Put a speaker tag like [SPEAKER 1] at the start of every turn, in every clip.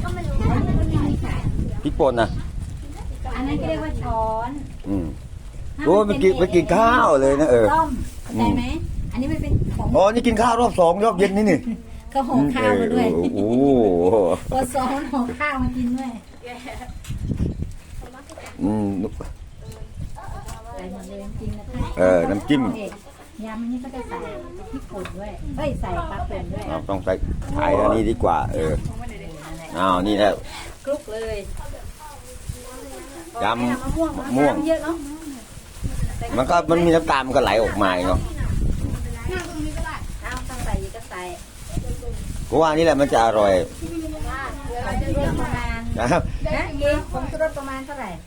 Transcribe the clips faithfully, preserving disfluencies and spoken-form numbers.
[SPEAKER 1] พริกป่นนะ
[SPEAKER 2] อันนั้นเรียกว่าช้อน
[SPEAKER 1] อืมโอ้ไม่กินไม่กินข้าวเลยนะเออ
[SPEAKER 2] ต้มเข้าใจไหมอันนี้มันเป็นของ
[SPEAKER 1] อ๋อนี่กินข้าวรอบสองรอบเย็นนี่นี่
[SPEAKER 2] ก็ห่อข้าวมาด้วย
[SPEAKER 1] โอ้
[SPEAKER 2] พอซ้อนห่อข้าวมากินด้วย
[SPEAKER 1] อืม
[SPEAKER 2] ใส่หมดเลยจริงนะคะ
[SPEAKER 1] เออน้ำจิ้ม
[SPEAKER 2] ยำนี่ก็จะใส่พริกป่นด้วยเอ้ยใส่ปลาป่นด้วย
[SPEAKER 1] ต้องใส่ไข่อันนี้ดีกว่าเอออ้าวนี่แหละ
[SPEAKER 2] คลุกเลย
[SPEAKER 1] ยำมะม่วง
[SPEAKER 2] เยอะเนาะ
[SPEAKER 1] มันก็มันมีน้ำตาลมันก็ไหลออกมาเนาะ
[SPEAKER 2] เอาต้องใส่ก็ใส่
[SPEAKER 1] เพราะว่านี่แหละมันจะอร่อย
[SPEAKER 2] ประมาณ
[SPEAKER 1] นะครับ
[SPEAKER 2] นะเองผมจะลดประมาณเท่าไหร่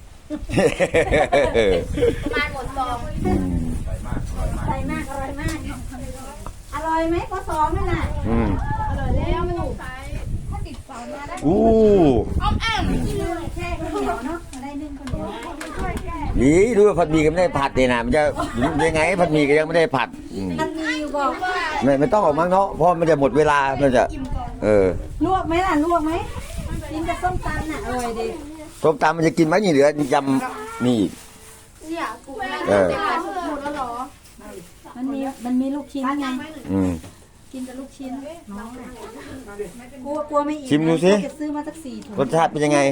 [SPEAKER 2] ประมาณหมดซองใส่มากอร่อยมากอร่อยไหมพอสองนั่นน่ะ
[SPEAKER 1] อืม
[SPEAKER 2] อร่อยแล้วมันถูกถ้าติดเสามาได้
[SPEAKER 1] อู้
[SPEAKER 2] อ้อมแอมแค่ข้าวเหนียวเนาะได้นึ่งข้าวเหนียว
[SPEAKER 1] นี่ดูผัดหมี่ก็ไม่ได้ผัดเลยนะมันจะยังไงผัดหมี่ก็ยังไม่ได้ผัด
[SPEAKER 2] ผัดหมี่อยู่บอก
[SPEAKER 1] ไม่ไม่ต้องออกมั้งเนาะเพราะมันจะหมดเวลามันจะเออ
[SPEAKER 2] ลวกไหมล่ะลวกไหมกินกับส้มตำน่ะอร่อยดี
[SPEAKER 1] ส้มตำมันจะกินไหมนี่เหลือยำนี่
[SPEAKER 2] เนี่ยกู
[SPEAKER 1] เออ
[SPEAKER 2] หมดแล้วหรอมันมีมันมีลูกชิ้นไง
[SPEAKER 1] อืม
[SPEAKER 2] กินกับลูกชิ้นกลัวกลัวไม่อิ่ม
[SPEAKER 1] ชิมดูสิ
[SPEAKER 2] จะซื้อมาสักสี่ถุง
[SPEAKER 1] รสชาติเป็นยังไง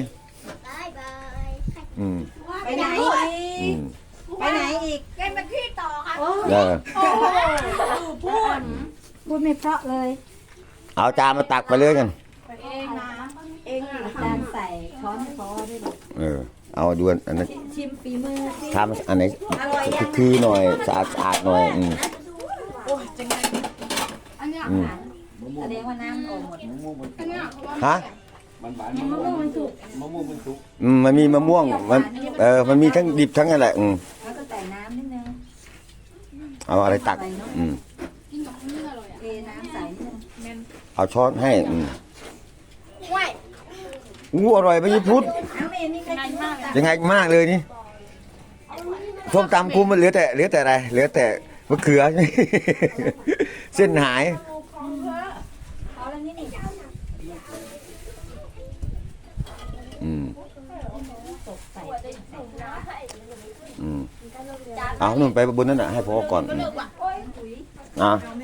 [SPEAKER 1] อืม
[SPEAKER 2] ไปไหนอีกไปไหนอีกเล่นเป็นพี่ต่อค่ะ
[SPEAKER 1] เออ
[SPEAKER 2] พูดพูดไม่เพราะเลย
[SPEAKER 1] เอาจานมาตักไปเลยกัน
[SPEAKER 2] เองนะเองจานใส่ช้อนช้อนด้วยหรอ
[SPEAKER 1] เออเอาดูอันนั้น
[SPEAKER 2] ชิมฝีมือ
[SPEAKER 1] ทำอันไหนคือหน่อยสะอาดสะอาดหน่อยอืม
[SPEAKER 2] โอ้ยจังไงอันนี้แสดงว่าน้ำออกหมด
[SPEAKER 1] ฮะ
[SPEAKER 2] มะม่วงมันสุก
[SPEAKER 1] มะม่วงมันสุกอืมมันมีมะม่วงมันเออมันมีทั้งดิบทั้งอะไรอืม
[SPEAKER 2] แล้วก็ใส่น้ำนิดนึง
[SPEAKER 1] เอาอะไรตักอืม
[SPEAKER 2] กินกับข้าวเหนียวอร่อยอ่ะเทน้ำใส่นิดนึง
[SPEAKER 1] เอาช้อนให้อืมอู้อร่อยไปยี่พุทธยังไงมากเลยนี่ส้มตำกูมันเหลือแต่เหลือแต่อะไรเหลือแต่มะเขือเส้นหายอืมอืมเอาหนุ่มไปบนนั้นน่ะให้พ่อก่อนอ่ะ